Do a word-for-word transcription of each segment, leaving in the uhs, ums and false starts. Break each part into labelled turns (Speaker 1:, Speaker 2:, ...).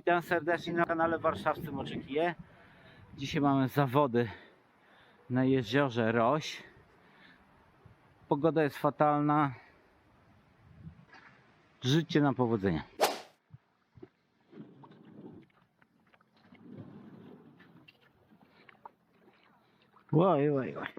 Speaker 1: Witam serdecznie na kanale Warszawscy Moczykije. Dzisiaj mamy zawody na jeziorze Roś. Pogoda jest fatalna. Życie na powodzenie. Oj, oj, oj.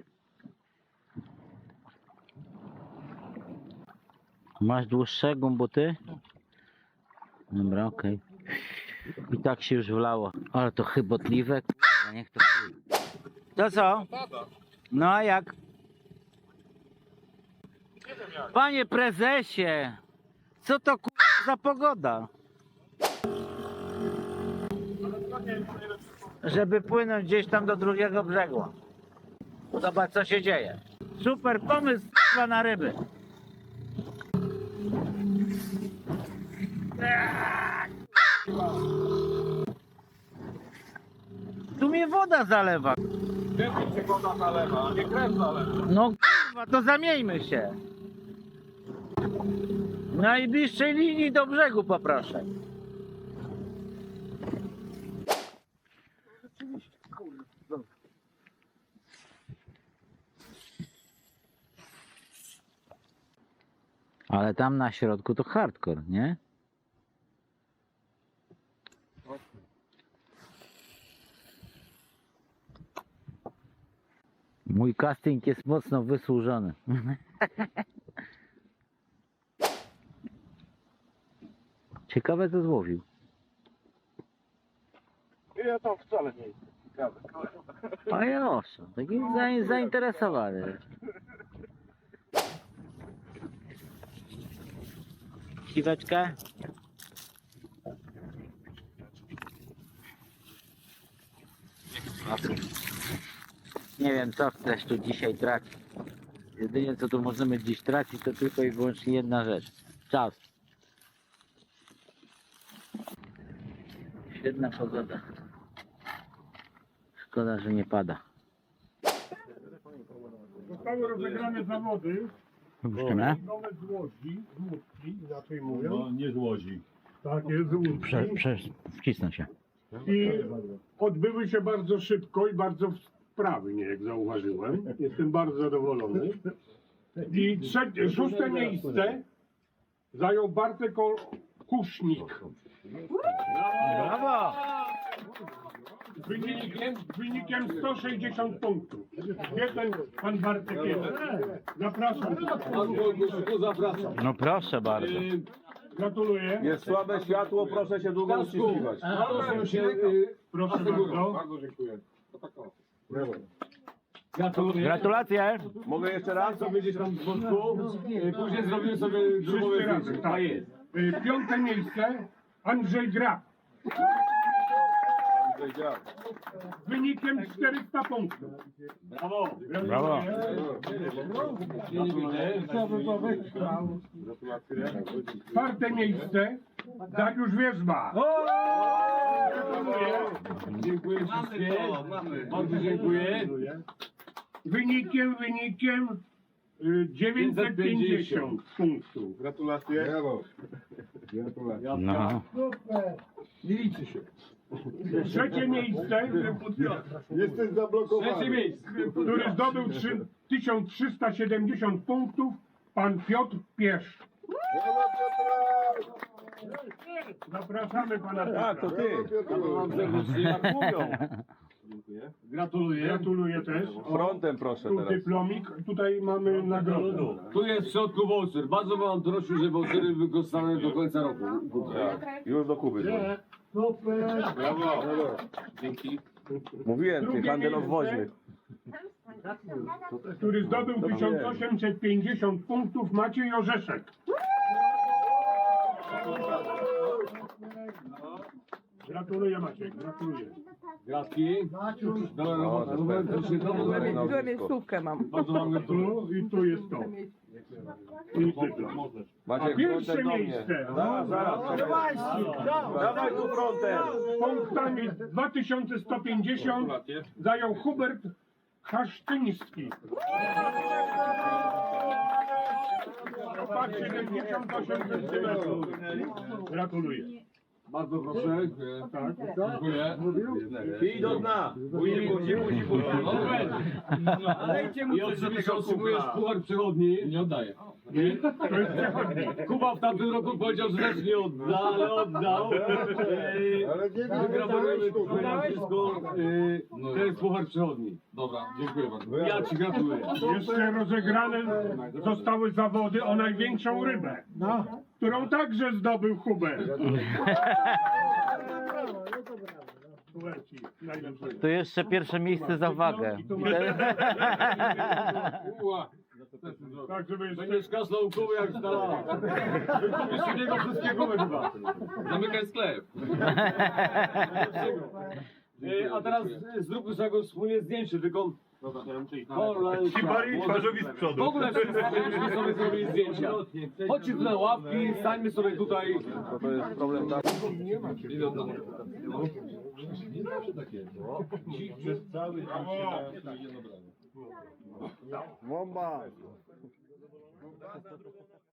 Speaker 1: Masz dłuższego buty? Dobra, okej. Okay. I tak się już wlało. Ale to chybotliwe, kurwa, niech to chuj. To co? No a jak? Panie prezesie, co to kurwa za pogoda? Żeby płynąć gdzieś tam do drugiego brzegu. Zobacz co się dzieje. Super pomysł kurwa na ryby. Tu mnie woda zalewa.
Speaker 2: Gdzie się woda zalewa, a nie krew zalewa.
Speaker 1: No kurwa, to zamieńmy się. Najbliższej linii do brzegu poproszę. Ale tam na środku to hardcore, nie? Mój casting jest mocno wysłużony. Ciekawe co złowił.
Speaker 2: Ja tam wcale nie jestem ciekawy.
Speaker 1: A ja taki za, zainteresowany. Siweczkę? Nie wiem co chcesz tu dzisiaj tracić. Jedynie co tu możemy dziś tracić to tylko i wyłącznie jedna rzecz. Czas. Świetna pogoda. Szkoda, że nie pada.
Speaker 2: Zostały rozegrane zawody.
Speaker 1: Wypuszczone?
Speaker 2: Nowe z Łodzi, z Łódki, inaczej mówiąc.
Speaker 3: No, nie z Łodzi.
Speaker 2: Tak jest, z Łódki.
Speaker 1: Prze, prze, wcisnę się.
Speaker 2: I odbyły się bardzo szybko i bardzo sprawnie, jak zauważyłem. Jestem bardzo zadowolony. I trzecie, szóste miejsce zajął Bartek Kusznik.
Speaker 1: Brawo!
Speaker 2: Wynikiem, wynikiem sto sześćdziesiąt punktów. Gdzie ten pan Bartek jest? Zapraszam.
Speaker 3: Zapraszam.
Speaker 1: No proszę bardzo.
Speaker 2: Gratuluję.
Speaker 3: Jest słabe światło, proszę się długo uściskiwać.
Speaker 2: Proszę się, proszę bardzo.
Speaker 3: Bardzo dziękuję.
Speaker 2: Gratuluję.
Speaker 1: Gratulacje!
Speaker 3: Mogę jeszcze raz?
Speaker 2: Sobie gdzieś tam z boku. Później zrobimy sobie drugą razem. Tak jest. Piąte miejsce Andrzej Graf. Wynikiem czterysta punktów. Brawo.
Speaker 1: Brawo.
Speaker 2: Czwarte miejsce Dariusz Wierzba. Gratuluję.
Speaker 3: Dziękuję wszystkie. Bardzo dziękuję.
Speaker 2: Wynikiem, wynikiem y, dziewięćset pięćdziesiąt punktów.
Speaker 3: Gratulacje. Brawo.
Speaker 1: No.
Speaker 3: Nie liczy się.
Speaker 2: Trzecie miejsce,
Speaker 3: Jesteś zablokowany. Trzecie miejsce.
Speaker 2: który zdobył tysiąc trzysta siedemdziesiąt punktów, pan Piotr Piesz. Zapraszamy pana
Speaker 3: Tak, to ty.
Speaker 2: Gratuluję. Gratuluję też.
Speaker 3: Frontem proszę
Speaker 2: Tu
Speaker 3: teraz.
Speaker 2: dyplomik, tutaj mamy nagrodę.
Speaker 4: Tu jest w środku voucher. Bardzo bym prosił, żeby vouchery wykorzystane do końca roku.
Speaker 3: Tak. Już do Kuby.
Speaker 4: Brawo. Dzięki.
Speaker 3: Mówiłem, ty
Speaker 2: Drugie
Speaker 3: handel
Speaker 2: miejsce.
Speaker 3: obwoźny.
Speaker 2: Który zdobył tysiąc osiemset pięćdziesiąt punktów, Maciej Orzeszek. Gratuluję Maciek, gratuluję.
Speaker 4: Gratki. Dobra robota.
Speaker 5: Złe miejscówkę mam.
Speaker 4: Bardzo wam gratuluję.
Speaker 2: Tu i tu jest to. I dyplom. A
Speaker 3: Maciek,
Speaker 2: pierwsze
Speaker 3: frontem do mnie.
Speaker 2: miejsce
Speaker 3: Zaraz, zaraz. Dawaj tu frontem.
Speaker 2: z punktami dwa tysiące sto pięćdziesiąt zajął Hubert Hasztyński. Opak siedemdziesiąt osiem centymetrów. Gratuluję.
Speaker 4: Bardzo proszę.
Speaker 2: Tak.
Speaker 4: Dziękuję.
Speaker 3: Pij do dna. Wujku, dziku, dziku.
Speaker 4: I oczywiście otrzymujesz puchar przychodni. Nie oddaję.
Speaker 2: To jest przechodnik.
Speaker 4: Kuba w tamtym roku powiedział, że też nie odda, ale oddał. Wygratulujemy wszystko. To jest puchar przychodni. Dobra, dziękuję bardzo. Ja ci gratuluję.
Speaker 2: Jeszcze rozegrane zostały zawody o największą rybę, którą także zdobył Hubert. Hubert ci najlepszy.
Speaker 1: Tu jeszcze pierwsze miejsce za wagę.
Speaker 4: Uła.
Speaker 2: Tak, żeby jeszcze...
Speaker 4: Będziesz kaszlał Kuby jak stala. Wykupisz z niego wszystkie gumy chyba. Zamykaj sklep. E, A teraz e, zróbmy sobie wspólnie zdjęcie, tylko...
Speaker 3: Hibari twarzowi z
Speaker 4: W
Speaker 3: przodu.
Speaker 4: ogóle wszyscy sobie zrobili zdjęcia. Chodźcie tu na ławki, stańmy sobie tutaj.
Speaker 3: To jest problem taki. Bomba!